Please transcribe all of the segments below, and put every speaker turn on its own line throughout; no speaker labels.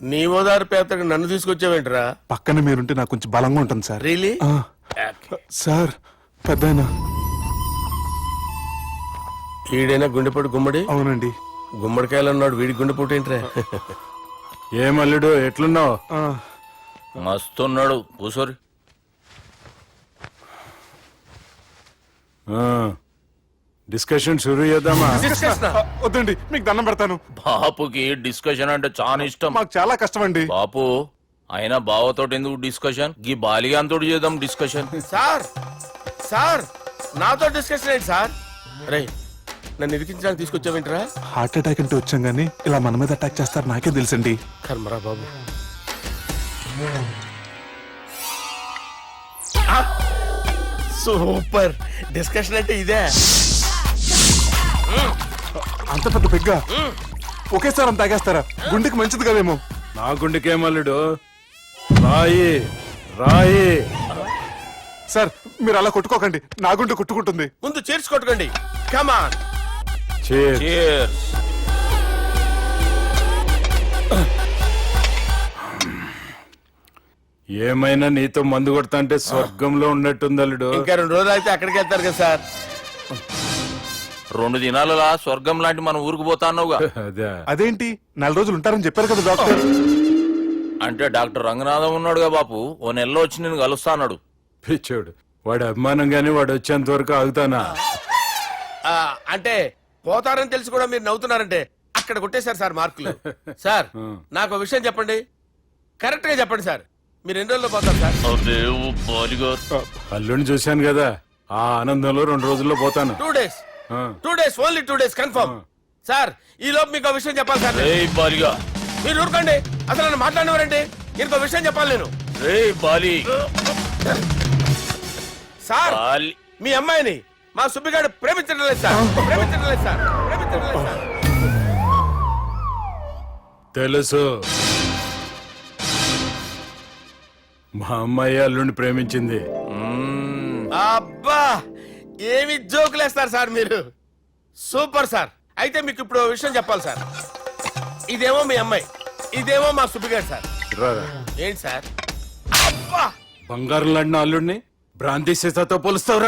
నీ ఓదారు పేదకి నన్ను తీసుకొచ్చావేంట్రా?
పక్కన మీరుంటే నాకు కొంచెం బలంగా ఉంటుంది సార్.
రియలీ?
సార్ పెద్దయినా.
ఈడైనా గుండెపోటు గుమ్మడి?
అవునండి.
గుమ్మడికాయలు అన్నాడు, వీడి గుండెపోటు ఏంట్రా?
ఏమల్లుడు ఎట్లున్నావు?
మస్తున్నాడు కూసోరి.
డిస్కషన్ షురూ చేద్దామా?
వద్దండి, మీకు దండం పెడతాను.
బాపుకి డిస్కషన్ అంటే చాలా ఇష్టం.
మాకు చాలా కష్టం అండి.
బాపు అయినా బావతోటి ఎందుకు డిస్కషన్? గీ బాలిగాంతోటి చేద్దాం డిస్కషన్.
సార్ సార్ నాతో డిస్కషన్ ఏంటి సార్? రే నన్ను ఇరికించడానికి తీసుకొచ్చావేంట్రా?
హార్ట్ అటాక్ అంటే వచ్చాం గానీ ఇలా మన మీద అటాక్ చేస్తారు నాకే తెలుసండి.
కర్మరా బాబు. సూపర్ డిస్కషన్ అంటే ఇదే.
అంత పెద్ద పెగ్గా ఒకేసారి అంత తాగేస్తారా? గుండెకి మంచిది కదేమో.
నా గుండెకేమల్లుడు, రాయి రాయి.
సార్ మీరు అలా కొట్టుకోకండి, నా గుండె కొట్టుకుంటుంది.
ముందు చేర్చుకొట్టుకోండి. కమాన్.
Cheers.
ఏమైనా నీతో మందు కొడతా అంటే స్వర్గంలో ఉన్నట్టుంది అల్లుడు.
ఇంకా 2 రోజులు అయితే అక్కడికి వెళ్తారు కదా సార్.
2 దినాలలా స్వర్గం లాంటి మన ఊరికి పోతాన్నావుగా.
అదే
అదేంటి 4 రోజులు ఉంటారని చెప్పారు కదా డాక్టర్.
అంటే డాక్టర్ రంగనాథం ఉన్నాడుగా బాపు, ఓ నెలలో వచ్చి నేను కలుస్తా అన్నాడు.
పిచ్చోడు, వాడి అభిమానంగానే వాడు వచ్చేంత వరకు ఆగుతానా?
అంటే పోతారని తెలిసి కూడా మీరు నవ్వుతున్నారంటే అక్కడ కొట్టేశారు సార్ మార్కులు. సార్ నాకు విషయం చెప్పండి, కరెక్ట్ గా చెప్పండి సార్. మీరు ఎన్ని రోజుల్లో పోతారు సార్?
అల్లుడిని చూశాను కదా, ఆ ఆనందంలో 2 రోజుల్లో పోతాను.
2 days. 2 days, only 2 days confirm. Sir ఈ లోపు మీకు విషయం చెప్పాలి సార్. మీరు ఊరుకోండి, అసలు నన్ను మాట్లాడినవారండి. ఇంకో విషయం చెప్పాలి నేను. సార్ మీ అమ్మాయిని మా సుబ్బిగాడు ప్రేమించడం లేదు సార్. ప్రేమించడం లేదు సార్. ప్రేమించడం లేదు సార్.
తెలుసు, మా అమ్మాయి అల్లుడిని ప్రేమించింది.
అబ్బా ఏమి జోకులేస్తారు సార్ మీరు. Super sir. అయితే మీకు ఇప్పుడు ఓ విషయం చెప్పాలి సార్. ఇదేమో మీ అమ్మాయి, ఇదేమో మా సుబ్బిగాడు సార్.
రారా.
ఏంటి సార్? అబ్బా
బంగారం లాంటి అల్లుడిని భ్రాంతి సీతతో పోలుస్తావురా?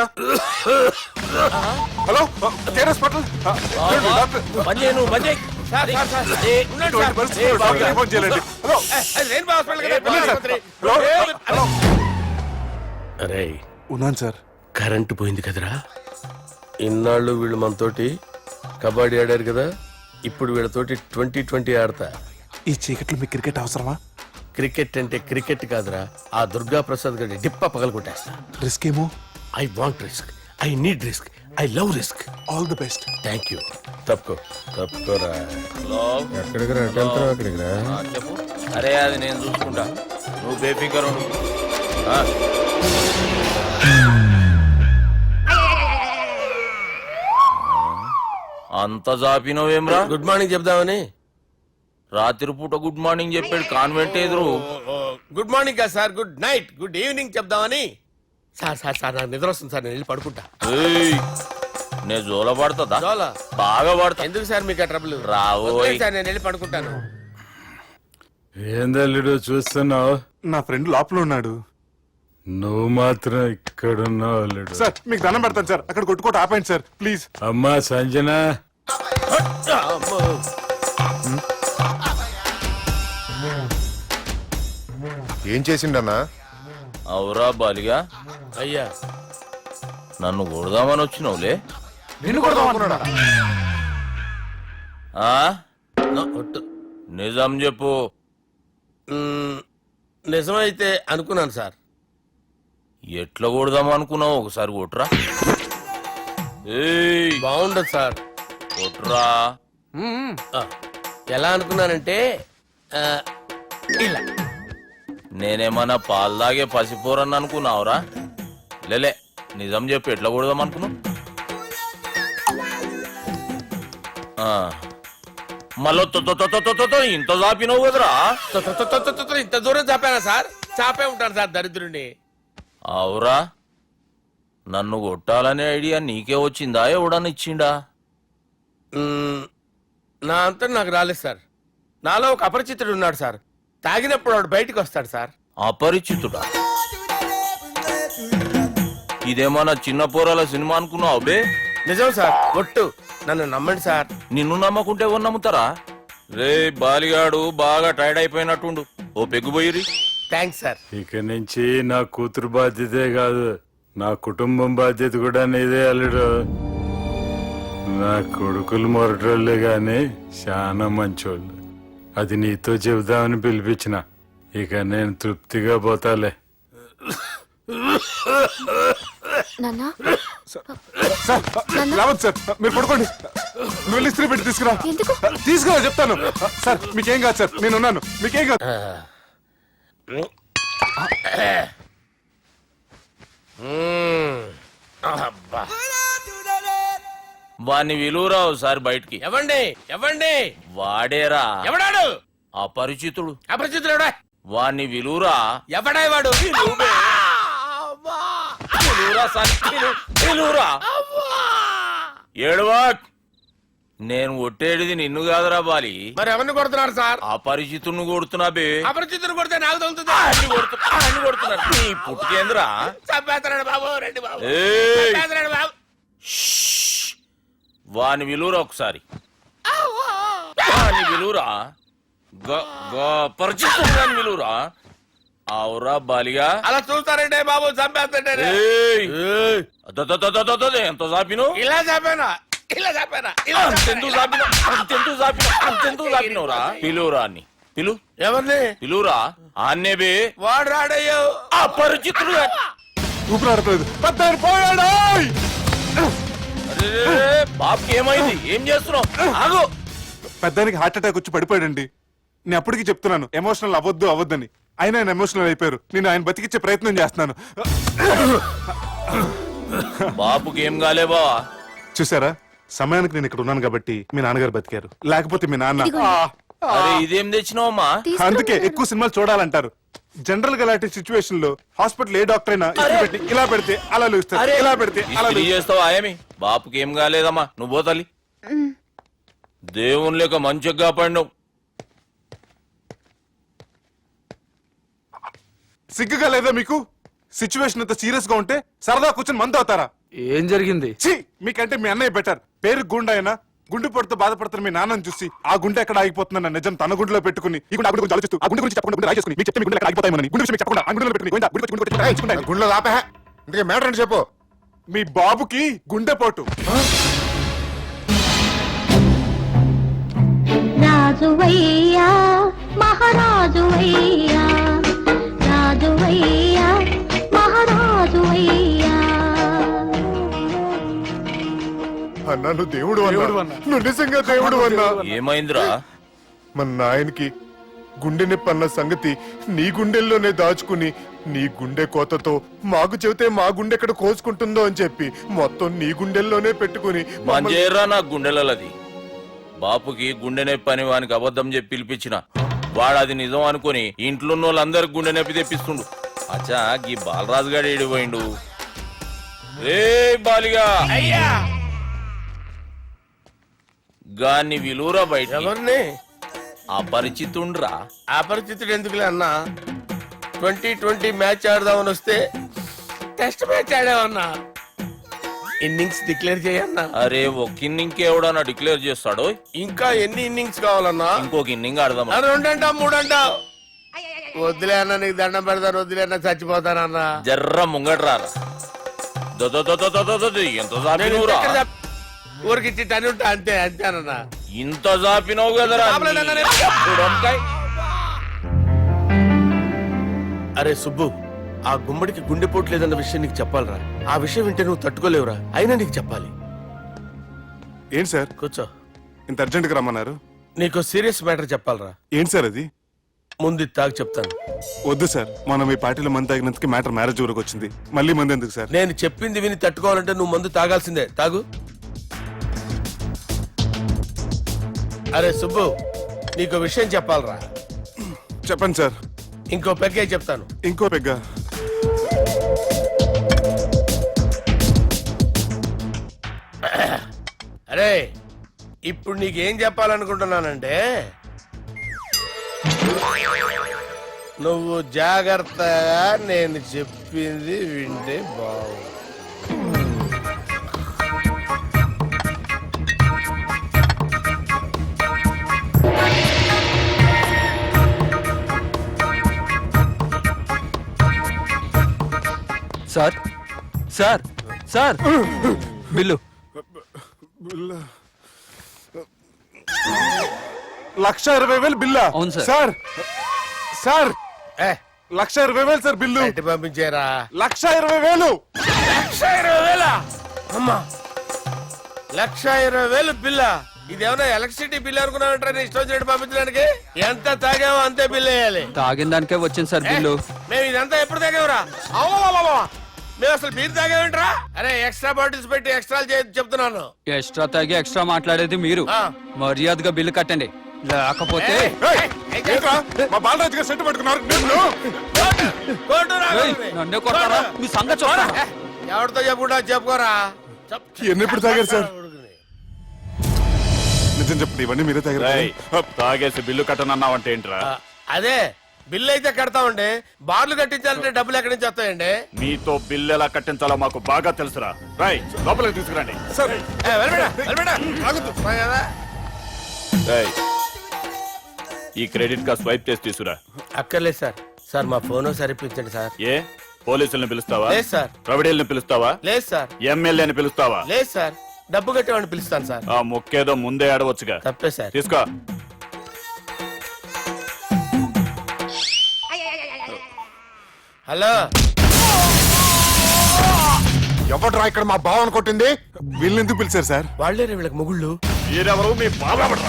హలో కేరస్ పటల్ డాక్టర్.
సార్ సార్ సార్ ఉండండి సార్.
ఫోన్ చేయాలండి. హలో
రెయిన్బో హాస్పిటల్ కదా,
వెళ్ళండి సార్.
ఆసుపత్రి.
హలో.
అరే
ఉన్నాను సార్.
కరెంటు పోయింది కదరా. ఇన్నాళ్ళు వీళ్ళు మనతోటి కబడ్డీ ఆడారు కదా, ఇప్పుడు వీళ్ళతోటి 2020 ఆడతా.
ఈ చీకట్లో మీకు క్రికెట్ అవసరమా?
క్రికెట్ అంటే క్రికెట్ కాదురా, ఆ దుర్గా ప్రసాద్ గారి డిప్ప పగలు కొట్టేస్తా.
రిస్క్ ఏమో.
I want risk, I need risk, I love risk.
All the best.
Thank you. తప్పుకోరా.
ఎక్కడికి రా? అక్కడికి రా. చెప్పు. అరే అది నేను చూసుకుంటా, నువ్వు బేఫికర్ ఉండు. అంత జాపినవేమ్రా?
గుడ్ మార్నింగ్ చెప్దామని.
రాత్రి పూట గుడ్ మార్నింగ్ చెప్పాడు కాన్వెంట్ ఎదురు.
గుడ్ మార్నింగ్ కాదు sir, good night, good evening చెప్దామని. సార్ సార్ సార్ నాకు నిద్ర వస్తుంది సార్, నేను వెళ్ళి పడుకుంటా.
నేను జోల పడుతుందా?
జోలా?
బాగా పడతా.
ఎందుకు సార్ మీకు ఆ ట్రబుల్?
రావోయ్
సార్ నేను వెళ్ళి పడుకుంటాను.
ఏందల్లుడు చూస్తున్నావు?
నా ఫ్రెండ్ లోపల ఉన్నాడు.
నువ్వు మాత్రం ఇక్కడున్నావు అల్లుడు.
సార్ మీకు దండం పెడతాను సార్, అక్కడ కొట్టుకోట ఆపండి సార్ ప్లీజ్.
అమ్మా సంజన,
ఏం చేసిండన్నా?
అవురా బాలిగా,
అయ్యా
నన్ను కొడదామని వచ్చినావులే.
నిన్ను కొడదామన్నాడా?
నిజం చెప్పు.
నిజమైతే అనుకున్నాను సార్.
ఎట్లా కొడదాం అనుకున్నావు? ఒకసారి కొట్రా.
బాగుండదు సార్.
కొట్రా.
ఎలా అనుకున్నానంటే ఇలా.
నేనేమన్నా పాలు తాగే పసిపోరని అనుకున్నావురా? లేలే, నిజం చెప్పు, ఎట్లా కొడదాం అనుకున్నావు? మళ్ళీ ఇంత చాపినవు కదరా?
ఇంత దూరం చాపానా సార్? చాపే ఉంటాను సార్ దరిద్రుడిని.
అవురా, నన్ను కొట్టాలనే ఐడియా నీకే వచ్చిందా? ఎవడన్నా ఇచ్చిండా?
నా అంతా నాకు రాలేదు సార్. నాలో ఒక అపరిచితుడు ఉన్నాడు సార్. తాగినప్పుడు వాడు బయటికి వస్తాడు సార్.
అపరిచితుడా? ఇదేమన్నా చిన్న పోరాల సినిమా అనుకున్నావు బే?
నిజం సార్, ఒట్టు, నన్ను నమ్మండి సార్.
నిన్ను నమ్మకుంటే ఎవరు నమ్ముతారా? రే బాలిగాడు బాగా టైర్డ్ అయిపోయినట్టుండు, ఓ పెగ్గుబోయిరి.
Thanks sir.
ఇక నుంచి నా కూతురు బాధ్యతే కాదు, నా కుటుంబం బాధ్యత కూడా నీదే అల్లుడు. నా కొడుకులు మొరటోళ్ళే గాని చాలా మంచోళ్ళు. అది నీతో చెబుదామని పిలిపించిన. ఇక నేను తృప్తిగా పోతాలే.
సార్ రావద్దు సార్, మీరు పడుకోండి. నువ్వు వెళ్ళి ఇస్త్రీ పెట్టి తీసుకురా. తీసుకురా చెప్తాను. సార్ మీకేం కాదు సార్, నేను ఉన్నాను, మీకేం కాదు.
అబ్బా.
వాణ్ణి విలువరావు సార్ బయటికి.
ఎవండి ఎవండి?
వాడేరా
ఎవడాడు?
అపరిచితుడు.
అపరిచితుడు
వాణ్ణి విలువరా.
ఎవడా వాడు?
విలువరా సార్, విలువరా. ఏడవా, నేను ఒట్టేడిది నిన్ను కాదురా బాలి.
మరి ఎవరిని కొడుతున్నారు సార్?
అపరిచితుడిని కొడుతున్నా బే.
అపరిచితుడు కొడితే నాకు తగులుతుంది.
అన్ని కొడుతున్నారు. నీ పుట్టుకేంద్రా?
చంపేస్తున్నాడు బాబు, రండి బాబు.
ఏయ్!
చంపేస్తున్నాడు బాబు.
వాని విలువరా ఒకసారి. వాని విలువరా. పరిచితుడు విలువరా. అవురా బాలిగా.
అలా చూస్తారంటే బాబు, చంపేస్తాడే.
ఎంత చాపిను?
ఇలా చంపానా, ఇలా చంపానా,
అంతెందుకు చాపిను, అంతెందుకు చాపిను, అంతెందుకు చాపినవురా? పిలువురా అన్ని.
ఎవరిని
పిలువురా అన్నే బే.
వాడు రాడయ్యో.
అపరిచితుడు.
ఊపిరాడలేదు, పెద్దాయన పోయాడు.
బాబుకి ఏమైంది? ఏం చేస్తున్నావు? ఆగు.
పెద్దానికి హార్ట్ అటాక్ వచ్చి పడిపోయాడండి. నేను అప్పటికి చెప్తున్నాను ఎమోషనల్ అవ్వద్దని. ఆయన ఎమోషనల్ అయిపోయారు. నేను ఆయన బతికిచ్చే ప్రయత్నం చేస్తున్నాను.
బాబుకి ఏం కాలే బావా?
చూసారా, సమయానికి నేను ఇక్కడ ఉన్నాను కాబట్టి మీ నాన్నగారు బతికారు. లేకపోతే మీ నాన్న
అరే ఇదేం తెచ్చినావమ్మా?
అందుకే ఎక్కువ సినిమాలు చూడాలంటారు. జనరల్ గా ఇలాంటి సిచ్యువేషన్ లో హాస్పిటల్ ఏ డాక్టర్ అయినా ఇస్త్రీ పెట్టి ఇలా పెడితే అలా లూస్తారు, ఇలా పెడితే అలా
ఇస్త్రీ చేస్తావా ఆయమి? బాపుకి ఏం కాలేదమ్మా, నువ్వు పోతాలి. దేవుని లేక మంచిగా పడినావు.
సిగ్గుగా లేదా మీకు? సిచ్యువేషన్ అంత సీరియస్ గా ఉంటే సరదా కూర్చొని మందు అవుతారా?
ఏం జరిగింది?
ఛీ, మీకంటే మీ అన్నయ్య బెటర్. పేరు గుండె అయినా గుండె పడుతూ బాధపడుతున్న మీ నాన్నని చూసి ఆ గుండె ఎక్కడ ఆగిపోతుందన్న నిజం తన గుండెలో పెట్టుకుని ఈ గుండె గురించి ఆలోచిస్తూ ఆ గుండె గురించి చెప్పకుండా గుండె రాజేసుకుని మీకు చెప్తే మీ గుండె ఎక్కడ ఆగిపోతాయని గుండె విషయం చెప్పకుండా ఆ గుండెలో పెట్టుకుని గుండె గుండె రాయించుకుంటాను.
గుండెలో ఆపే. ఇందుకే మ్యాటర్ అని చెప్పు.
మీ బాబుకి గుండెపోటు.
రాజువయ్యా మహారాజువయ్యా, రాజువయ్యా మహారాజువయ్యా.
అన్నా నువ్వు దేవుడు అన్నా, నువ్వు నిజంగా దేవుడు అన్నా.
ఏమైందిరా?
మన నాయనకి గుండె నొప్పి అన్న సంగతి నీ గుండెల్లోనే దాచుకుని నీ గుండె కోతతో మాకు చెబితే మా గుండె ఎక్కడ కోసుకుంటుందో అని చెప్పి మొత్తం నీ గుండెల్లోనే పెట్టుకుని
మంజేరా నా గుండెలది. బాపుకి గుండె నొప్పి అని వానికి అబద్ధం చెప్పి పిలిపించిన వాడు అది నిజం అనుకుని ఇంట్లో ఉన్న వాళ్ళందరికి గుండె నొప్పి తెప్పిస్తుండు. అచ్చా గీ బాలరాజు గారు ఏడిపోయిండు. రే బాలిగా,
అయ్యా
గాన్ని విలువరా బయట.
ఎవరిని?
అపరిచితుండ్రా.
అపరిచితుడు ఎందుకులే అన్నా? 2020 మ్యాచ్ ఆడదామని వస్తే టెస్ట్ మ్యాచ్ ఆడామన్నా. ఇన్నింగ్స్ డిక్లేర్ చేయన్నా.
అరే ఒక ఇన్నింగ్ ఎవడన్నా డిక్లేర్ చేస్తాడు?
ఇంకా ఎన్ని ఇన్నింగ్స్ కావాలన్నా?
ఇంకొక ఇన్నింగ్ ఆడదాం.
2 అంటావు 3 అంటావు. వద్దులే అన్న, నీకు దండం పెడతాను. వద్దులే అన్న, చచ్చిపోతానన్నా.
జర్ర ముంగట్రారా. ఎంత జాపినవురా?
ఊరికి టని ఉంటా అంతే, అంతేనన్నా.
ఇంత జాపినవు కదరా.
అరే సుబ్బు, ఆ గుమ్మడికి గుండెపోటు లేదన్న విషయం నీకు చెప్పాలరా. ఆ విషయం వింటే నువ్వు తట్టుకోలేవురా. అయినా నీకు చెప్పాలి.
ఏంటి సార్
కూర్చో.
ఇంత అర్జెంట్ గా రమ్మన్నారు?
నీకు సీరియస్ మ్యాటర్ చెప్పాలరా.
ఏంటి సార్ అది?
ముందు తాగు చెప్తాను.
వద్దు సార్, మనం ఈ పార్టీలో మంది తాగినందుకు మ్యాటర్ మ్యారేజ్ వరకు వచ్చింది. మళ్ళీ మంది ఎందుకు సార్?
నేను చెప్పింది విని తట్టుకోవాలంటే నువ్వు మందు తాగాల్సిందే. తాగు. అరే సుబ్బు, నీకు విషయం చెప్పాలరా.
చెప్పండి సార్.
ఇంకో పెగ్గే చెప్తాను.
ఇంకో పెగ్గా?
అరే ఇప్పుడు నీకేం చెప్పాలనుకుంటున్నానంటే నువ్వు జాగ్రత్తగా నేను చెప్పింది వింటే బాగుంది.
సార్ సార్ సార్ బిల్లు
1,20,000 బిల్లా?
అవును సార్.
సార్ సార్
ఏ
1,20,000 సార్ బిల్లు.
బయట పంపించేరా.
1,20,000.
1,20,000 అమ్మా, 1,20,000 బిల్లా? ఇదేమన్నా ఎలక్ట్రిసిటీ బిల్ అనుకున్నామంటారా నీ ఇష్టం వచ్చినట్టు పంపించడానికి? ఎంత తాగామో అంతే బిల్ వేయాలి.
తాగిన దానికే వచ్చింది సార్ బిల్లు.
మేము ఇదంతా ఎప్పుడు తాగావురా? అవ్వా, మేము అసలు బీర్ తాగామేంట్రా? అరే ఎక్స్ట్రా బాటిల్స్ పెట్టి ఎక్స్ట్రా చెప్తున్నాను.
ఎక్స్ట్రా తాగి ఎక్స్ట్రా మాట్లాడేది మీరు.
ఆ.
మర్యాదగా బిల్లు కట్టండి, లేకపోతే
ఏయ్, ఏంట్రా? మా బాలరాజు గారు సెంటు పట్టుకున్నారు. నిన్ను
కోర్టు రా.
ఏయ్, నన్నే కొడతారా? మీ సంగతి చూడరా?
ఎవరితో చెప్పుకుంటా చెప్పుకోరా.
ఎన్నెప్పుడు తాగారు సార్? నిజం చెప్పండి, ఇవన్నీ మీరే తాగారు.
తాగేసి బిల్లు కట్టనన్నావంటే ఏంట్రా?
అదే బిల్లు అయితే కడతామండి, బార్లు కట్టించాలంటే డబ్బులు ఎక్కడి నుంచి వస్తాయండి?
నీతో బిల్లు ఎలా కట్టించాలో మాకు బాగా తెలుసురా. రై లోపలికి తీసుకురండి.
కదా.
రేయ్, ఈ క్రెడిట్ కార్డ్ స్వైప్ చేసి తీసుకురా.
అక్కర్లేదు సార్. సార్ మా ఫోన్ సరిపించండి సార్.
ఏ పోలీసుల్ని పిలుస్తావా?
లేదు సార్.
ప్రొవిడీల్ని పిలుస్తావా?
లేదు సార్.
ఎమ్మెల్యేని పిలుస్తావా?
లేదు సార్. డబ్బు కట్టేవాడిని పిలుస్తాను సార్.
ఆ ముక్కేదో ముందే ఆడవచ్చుగా.
తప్పే సార్.
తీసుకో.
హలో,
ఎవడ్రా ఇక్కడ మా బావని కొట్టింది?
వీళ్ళని ఎందుకు పిలిచారు సార్?
వాళ్ళే వీళ్ళకి మొగుళ్ళు.
మీరెవరు? మీ బాబా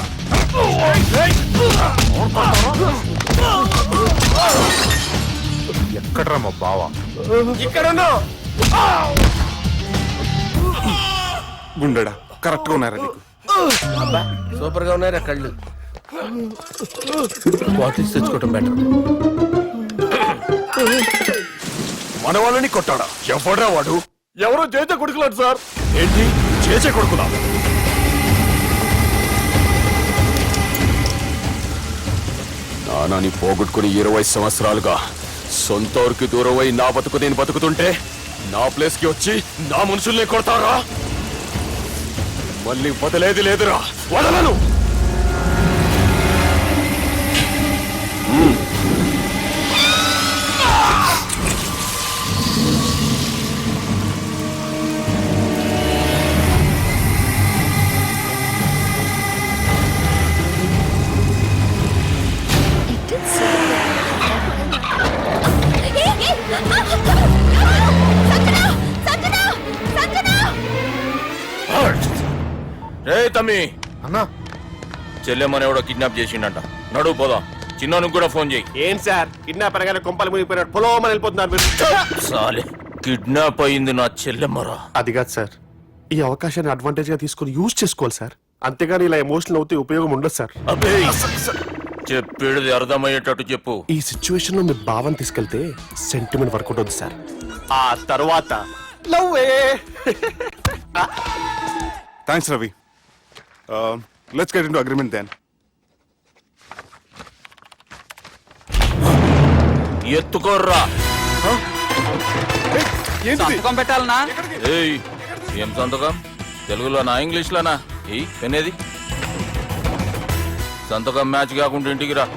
ఎక్కడ్రా మా బావ?
ఇక్కడ ఉన్నావు.
గుండెడా కరెక్ట్ గా ఉన్నారా నీకు?
అబ్బా సూపర్ గా ఉన్నారా కళ్ళు. బాటిల్స్ తెచ్చుకోవటం బెటర్.
మన వాళ్ళని కొట్టాడా? ఎవడ్రా వాడు? ఎవరో చేసే కొడుకులాడు సార్. ఏంటి చేసే కొడుకులా?
నానాని పోగొట్టుకుని 20 సంవత్సరాలుగా సొంత ఊరికి దూరమై నా బతుకు నేను బతుకుతుంటే నా ప్లేస్ కి వచ్చి నా మనుషుల్ని కొడతారా? మళ్ళీ వదిలేది లేదురా, వదలను.
రే తమ్మి,
అన్నా
చెల్లెమ్మని ఎవడో కిడ్నాప్ చేసిండంట. నడువు పోదాం. చిన్నోనికి కూడా ఫోన్ చేయి.
ఏం సార్ కిడ్నాప్ అనగానే కొంపలు మునిగిపోయినాడు పొలం వెళ్ళిపోతున్నారు మీరు.
సాలే కిడ్నాప్ అయింది నా చెల్లెమ్మరా.
అది కాదు సార్, ఈ అవకాశాన్ని అడ్వాంటేజ్ గా తీసుకొని యూజ్ చేసుకోవాలి సార్. అంతేగాని ఇలా ఎమోషనల్ అవుతే ఉపయోగం ఉండదు సార్.
అబ్బే చెప్పేది అర్థమయ్యేటట్టు చెప్పు.
ఈ సిచ్యువేషన్ లో మీ భావం తీసుకెళ్తే సెంటిమెంట్ వర్కౌట్ అవుతుంది సార్. ఆ తర్వాత లవ్వే.
Thanks Ravi. Let's get into agreement then.
ఎత్తుకోర్రా.
సంతకం పెట్టాలనా?
ఏయ్ ఏం సంతకం? తెలుగులోనా ఇంగ్లీష్లోనా? ఈ పెనేది సంతకం మ్యాచ్ కాకుండా ఇంటికి రా.